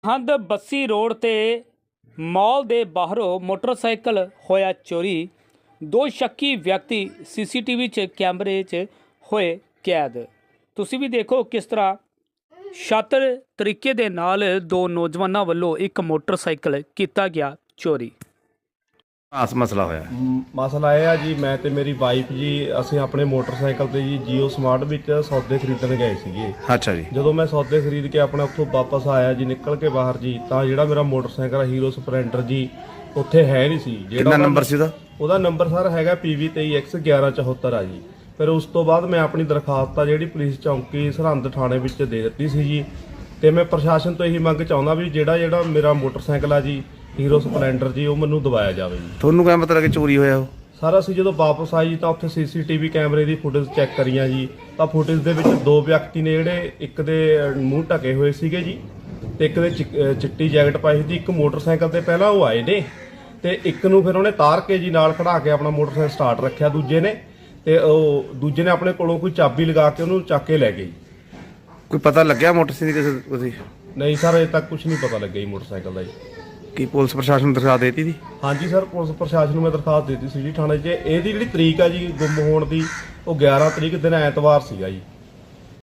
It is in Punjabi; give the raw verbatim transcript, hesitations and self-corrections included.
ਹੰਦ ਬੱਸੀ ਰੋਡ ਤੇ ਮਾਲ ਦੇ ਬਾਹਰੋਂ ਮੋਟਰਸਾਈਕਲ ਹੋਇਆ ਚੋਰੀ। ਦੋ ਸ਼ੱਕੀ ਵਿਅਕਤੀ ਸੀਸੀਟੀਵੀ 'ਚ ਕੈਮਰੇ 'ਚ ਹੋਏ ਕੈਦ। ਤੁਸੀਂ ਵੀ ਦੇਖੋ ਕਿਸ ਤਰ੍ਹਾਂ ਸ਼ਾਤਰ ਤਰੀਕੇ ਦੇ ਨਾਲ ਦੋ ਨੌਜਵਾਨਾਂ ਵੱਲੋਂ ਇੱਕ ਮੋਟਰਸਾਈਕਲ ਕੀਤਾ ਗਿਆ ਚੋਰੀ। ਆਸ ਮਸਲਾ ਹੋਇਆ ਮ- ਮਸਲਾ ਇਹ ਆ ਜੀ, ਮੈਂ ਤੇ ਮੇਰੀ ਵਾਈਫ ਜੀ ਅਸੀਂ ਆਪਣੇ ਮੋਟਰਸਾਈਕਲ ਤੇ ਜੀ ਜੀਓ ਸਮਾਰਟ ਵਿੱਚ ਸੌਦੇ ਖਰੀਦਣ ਗਏ ਸੀਗੇ। ਅੱਛਾ ਜੀ। ਜਦੋਂ ਮੈਂ ਸੌਦੇ ਖਰੀਦ ਕੇ ਆਪਣੇ ਉੱਥੋਂ ਵਾਪਸ ਆਇਆ ਜੀ, ਨਿਕਲ ਕੇ ਬਾਹਰ ਜੀ, ਤਾਂ ਜਿਹੜਾ ਮੇਰਾ ਮੋਟਰਸਾਈਕਲ ਹੀਰੋ ਸਪਲੈਂਡਰ ਜੀ ਉੱਥੇ ਹੈ ਨਹੀਂ ਸੀ। ਕਿੰਨਾ ਉਹਦਾ- ਨੰਬਰ ਸੀ ਉਹਦਾ? ਉਹਦਾ ਨੰਬਰ ਸਰ ਹੈਗਾ ਪੀ ਵੀ ਤੇਈ ਐਕਸ ਗਿਆਰਾਂ ਚੌਹੱਤਰ ਆ ਜੀ। ਫਿਰ ਉਸ ਤੋਂ ਬਾਅਦ ਮੈਂ ਆਪਣੀ ਦਰਖਾਸਤ ਆ ਜਿਹੜੀ ਪੁਲਿਸ ਚੌਂਕੀ ਸਰਹੰਦ ਥਾਣੇ ਵਿੱਚ ਦੇ ਦਿੱਤੀ ਸੀ ਜੀ। ਤੇ ਮੈਂ ਪ੍ਰਸ਼ਾਸਨ ਤੋਂ ਇਹੀ ਮੰਗ ਚਾਹੁੰਦਾ ਵੀ ਜਿਹੜਾ ਜਿਹੜਾ ਮੇਰਾ ਮੋਟਰਸਾਈਕਲ ਆ ਜੀ ਹੀਰੋ ਸਪਲੈਂਡਰ ਜੀ, ਉਹ ਮੈਨੂੰ ਦਵਾਇਆ ਜਾਵੇ ਜੀ। ਤੁਹਾਨੂੰ ਕਿਵੇਂ ਪਤਾ ਲੱਗਿਆ ਚੋਰੀ ਹੋਇਆ ਉਹ? ਸਰ ਅਸੀਂ ਜਦੋਂ ਵਾਪਸ ਆਏ ਜੀ ਤਾਂ ਉੱਥੇ ਸੀਸੀਟੀਵੀ ਕੈਮਰੇ ਦੀ ਫੁਟੇਜ ਚੈੱਕ ਕਰੀਆਂ ਜੀ, ਤਾਂ ਫੁਟੇਜ ਦੇ ਵਿੱਚ ਦੋ ਵਿਅਕਤੀ ਨੇ ਜਿਹੜੇ ਇੱਕ ਦੇ ਮੂੰਹ ਢਕੇ ਹੋਏ ਸੀਗੇ ਜੀ ਤੇ ਇੱਕ ਦੇ ਚਿ- ਅਹ ਚਿੱਟੀ ਜੈਕਟ ਪਾਈ ਸੀ। ਇੱਕ ਮੋਟਰਸਾਈਕਲ ਤੇ ਪਹਿਲਾਂ ਉਹ ਆਏ ਨੇ ਤੇ ਇੱਕ ਨੂੰ ਫਿਰ ਉਹਨੇ ਤਾਰ ਕੇ ਜੀ ਨਾਲ ਖੜਾ ਕੇ ਆਪਣਾ ਮੋਟਰਸਾਈਕਲ ਸਟਾਰਟ ਰੱਖਿਆ ਦੂਜੇ ਨੇ, ਤੇ ਉਹ ਦੂਜੇ ਨੇ ਆਪਣੇ ਕੋਲੋਂ ਕੋਈ ਚਾਬੀ ਲਗਾ ਕੇ ਉਹਨੂੰ ਚੱਕ ਕੇ ਲੈ ਗਏ। ਕੋਈ ਪਤਾ ਲੱਗਿਆ ਮੋਟਰਸਾਈਕਲ ਕਿਸੇ ਤੁਸੀਂ? ਨਹੀਂ ਸਰ, ਅਜੇ ਤੱਕ ਕੁਝ ਨਹੀਂ ਪਤਾ ਲੱਗਿਆ ਜੀ ਮੋਟਰਸਾਈਕਲ ਦਾ ਜੀ। ਕੀ ਪੁਲਿਸ ਪ੍ਰਸ਼ਾਸਨ ਨੂੰ ਦਰਖਾਸਤ ਦੇਤੀ ਸੀ? ਹਾਂਜੀ ਸਰ, ਪੁਲਿਸ ਪ੍ਰਸ਼ਾਸਨ ਨੂੰ ਮੈਂ ਦਰਖਾਸਤ ਦੇ ਦਿੱਤੀ ਸੀ ਜੀ ਥਾਣੇ 'ਚ। ਇਹਦੀ ਜਿਹੜੀ ਤਰੀਕ ਆ ਜੀ ਗੁੰਮ ਹੋਣ ਦੀ, ਉਹ ਗਿਆਰਾਂ ਤਰੀਕ ਦਿਨ ਐਤਵਾਰ ਸੀਗਾ ਜੀ।